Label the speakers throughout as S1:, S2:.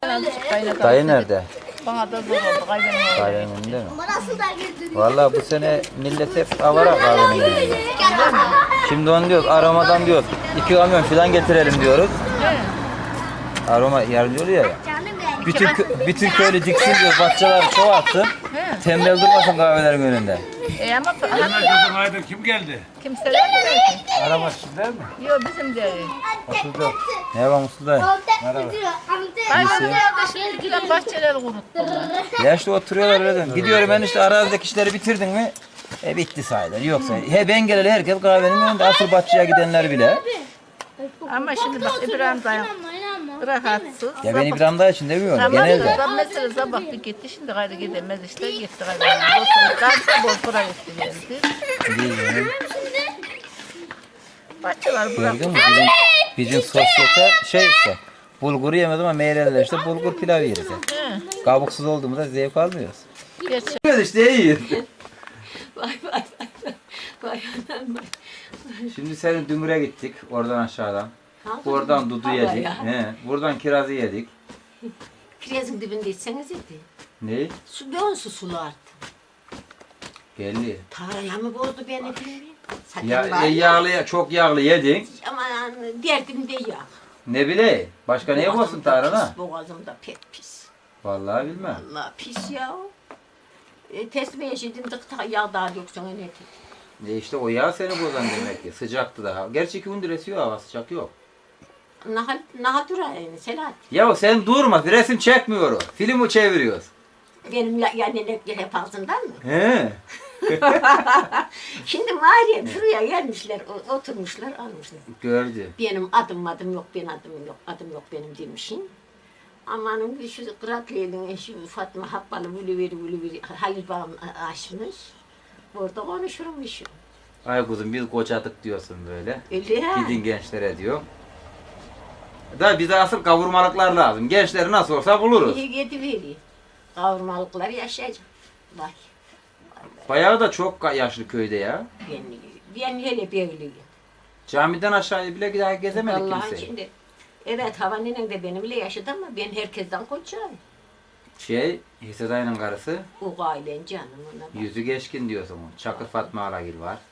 S1: tane kaynadı.
S2: Dayı nerede?
S1: Bana da zor oldu kaynadı.
S2: Kahvenin önünde mi? Vallahi bu sene millet hep avara kahvenin önünde. Şimdi onu diyoruz, aromadan diyoruz. 2 kamyon falan getirelim diyoruz. Aroma yardımcı oluyor ya. Bütün köylü diksin diyor, bahçeler çoğaltsın. Tembel durmasın kahvelerin önünde.
S1: Ama
S3: Kızım haydi kim geldi?
S1: kimse de mi?
S3: Araba sizde mi?
S1: Yok bizim değil.
S2: Oturdu. Ne var Mustafa dayı?
S1: Kaynadı şimdikiler bahçeleri kuruttular.
S2: Ya işte oturuyorlar öyle. Gidiyorum ben işte arazideki işleri bitirdin mi? Bitti sayılır. Yoksa ben geleli herkes kahvenin önünde. Asıl bahçeye gidenler bile.
S1: Ama şimdi bak İbrahim dayı rahatsız.
S2: Ya ben İbrahim dayı için demiyorum.
S1: Tamam
S2: Genelde.
S1: da mesela sabah bir gitti şimdi gayrı gidemez işte gitti gayrı. Dostum Bozkır'a gitti geldi.
S2: Bilmiyorum.
S1: Bahçeler
S2: Gördün
S1: bıraktı.
S2: mü? Bizim sosyete şey işte. Bulguru yemez ama meyreler işte bulgur pilav yeriz. Kabuksuz olduğumuzda zevk almıyoruz.
S1: Gerçi
S2: Evet işte yiyoruz.
S4: Vay vay vay. Vay anam vay.
S2: Şimdi senin Dümür'e gittik oradan aşağıdan.
S4: Aldın
S2: Oradan
S4: mı?
S2: dudu
S4: Allah
S2: yedik.
S4: ya.
S2: Buradan kirazı yedik.
S4: Kirazın dibinde içseniz idi.
S2: Ne?
S4: Su dönsü sulu arttı.
S2: Geldi.
S4: Taraya mı bozdu beni bilmiyorum. Zaten
S2: Ya,
S4: var ya.
S2: yağlı, çok yağlı yedin.
S4: Aman derdimde yağ.
S2: Ne bileyim. Başka neye
S4: Boğazımda
S2: bozsun tarhana?
S4: pis, boğazımda pek pis.
S2: Vallahi bilmem.
S4: Allah pis ya. Tesbih yeşildin dıkta yağ daha yoksa ne dedi.
S2: İşte o yağ seni bozan demek ki. Sıcaktı daha. Gerçi 2 gündür esiyor hava, sıcak yok.
S4: Naha durayım Selahattin.
S2: Ya sen durma, resim çekmiyor o. Filmi çeviriyoruz.
S4: Benim yani hep ağzımdan mı?
S2: He.
S4: Şimdi Meryem şuraya gelmişler, oturmuşlar, almışlar.
S2: Gördü.
S4: Benim adım yok, adım yok benim demişim. Amanın bir şu Kıratlı'nın eşi Fatma Habbalı vülü Halil Bağım açmış. Burada konuşurmuşum.
S2: Ay kuzum biz kocadık diyorsun böyle.
S4: Öyle ya.
S2: Gidin gençlere diyor. Da bize asıl kavurmalıklar lazım. Gençleri nasıl olsa buluruz.
S4: İyi yedi veriyor. Kavurmalıklar yaşayacak. Vay.
S2: Bayağı da çok yaşlı köyde ya.
S4: Ben hele böyleyim.
S2: Camiden aşağıya bile daha gezemedik
S4: Vallahi
S2: kimseyi.
S4: şimdi. Evet Havaninen de benimle yaşadı ama ben herkesten kocayım.
S2: Hisse dayının karısı,
S4: O ailen canım ona bak.
S2: yüzü geçkin diyorsun. Çakır Fatma Alagil var.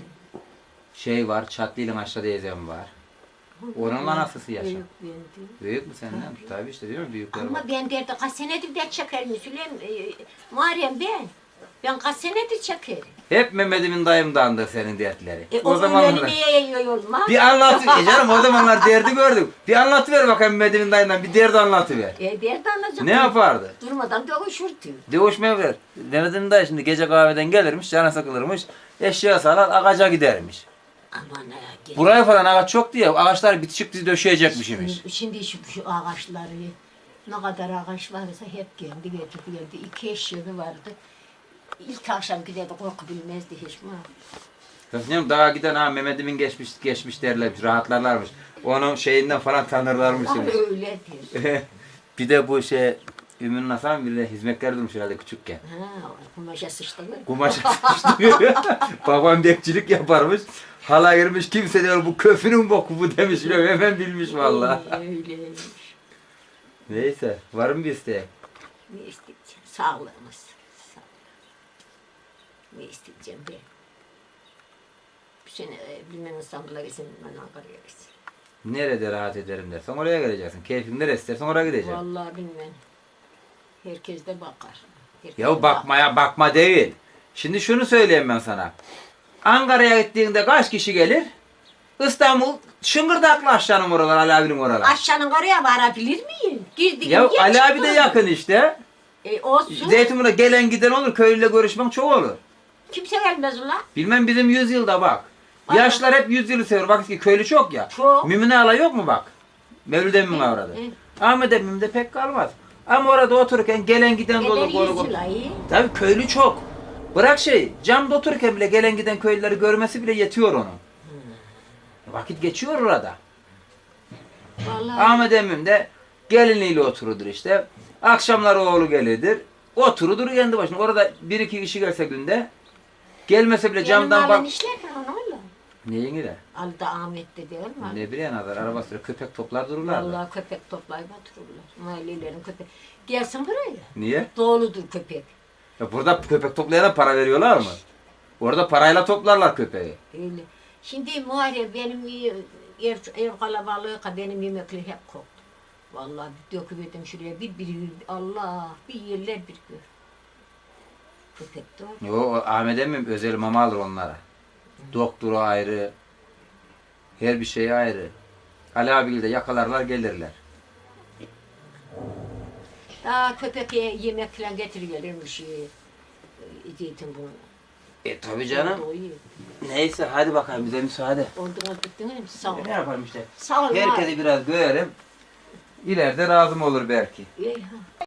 S2: Var, Çatlı'nın aşağıda teyzem var. Onun anasısı yaşa.
S4: Büyük ben değil.
S2: Büyük mü senden? Tabii işte diyorum büyükler var.
S4: Ama ben derdi kaç senedir de çekerim Süleyman, Muharrem ben. Ben kaç senedir çekerim.
S2: Hep Mehmet'imin dayımdandır senin dertleri.
S4: O zamanlar niye yiyor olmaz?
S2: bir anlat, canım o zamanlar derdi gördük. Bir anlatıver bakayım Mehmet'imin dayından, bir derdi anlatıver.
S4: Derdi anlayacak.
S2: Ne yapardı?
S4: Durmadan dövüşürdü.
S2: Dövüşmeye ver. Mehmet'imin dayı şimdi gece kahveden gelirmiş, canı sıkılırmış, eşya salar, ağaca gidermiş.
S4: Aman ya.
S2: Buraya falan ağaç çok diye, ağaçlar bitişik dizi döşeyecekmiş imiş.
S4: Şimdi şu ağaçları, ne kadar ağaç varsa hep geldi. 2 eşeği vardı. İlk akşam giderdi, korku bilmezdi hiç mi?
S2: Kızım daha giden Mehmet'imin geçmiş derlermiş, rahatlarlarmış. Onun şeyinden falan tanırlarmış.
S4: Ay öyledir.
S2: Bir de bu Ümmü Hasan bir de hizmetler durmuş herhalde küçükken.
S4: Ha, kumaşa sıçtılar.
S2: Kumaşa sıçtırıyor. Babam bekçilik yaparmış. Hala girmiş kimse diyor bu köfünün boku bu demiş. Hemen bilmiş vallahi.
S4: Öyleymiş.
S2: Neyse var mı bir isteğin?
S4: Ne isteyeceğim? Sağlığımız. Ne isteyeceğim ben? Bu sene bilmem İstanbul'a gitsin, ben Ankara'ya gitsin.
S2: Nerede rahat ederim dersen oraya geleceksin. Keyfin neresi istersen oraya gideceksin.
S4: Vallahi bilmem. Herkes de bakar. Herkes
S2: Ya
S4: de
S2: bakmaya bakma değil. Şimdi şunu söyleyeyim ben sana. Ankara'ya gittiğinde kaç kişi gelir? İstanbul şıngırdaklı aşağının oralar, Ali abinin oralar.
S4: Aşağının oraya varabilir miyim? Girdik.
S2: Ya Ali abi de yakın işte.
S4: Olsun.
S2: Zeytinburnu'na gelen giden olur, köylüyle görüşmek çok olur.
S4: Kimse gelmez ulan.
S2: Bilmem bizim 100 yılda bak. Yaşlar hep 100 yılı seviyor. Bak ki köylü çok ya.
S4: Çok.
S2: Mümine Ala yok mu bak? Mevlüt Emmi'nin avradı. Ahmet Emmi'nin de pek kalmaz. Ama orada otururken gelen giden de olur.
S4: Eder 100 yıl ayı.
S2: Tabii köylü çok. Bırak camda otururken bile gelen giden köylüleri görmesi bile yetiyor onun. Vakit geçiyor orada.
S4: Vallahi.
S2: Ahmet Emmim de geliniyle otururdur işte. Akşamları oğlu gelirdir. Oturudur kendi başına. Orada 1-2 kişi gelse günde. Gelmese bile camdan bak.
S4: işlerken onu öyle.
S2: Neyin ile?
S4: Ali de Ahmet'te değil mi?
S2: Ne bileyim kadar araba sürüyor. Köpek toplar dururlar.
S4: Vallahi köpek toplayıp otururlar. Mahallelerin köpek. Gelsin buraya.
S2: Niye?
S4: Doğuludur köpek.
S2: Ya burada köpek toplayana para veriyorlar mı? Orada parayla toplarlar köpeği.
S4: Öyle. Şimdi Muharrem benim ev kalabalığı benim yemekleri hep koktu. Vallahi bir döküverdim şuraya bir Allah bir yerler bir gör. Köpek doğru.
S2: Yo, o Ahmet emmim özel mama alır onlara. Doktoru ayrı. Her bir şey ayrı. Ali abiyle de yakalarlar gelirler.
S4: Daha köpeğe yemek falan getiriyorlarmış. Zeytin bunu.
S2: Tabii canım.
S4: O iyi.
S2: Neyse hadi bakalım bize müsaade.
S4: Oldu bittiniz. Sağ ol.
S2: Ne yapalım işte.
S4: Sağ ol.
S2: Herkesi biraz görelim. İleride razım olur belki.
S4: İyi, ha.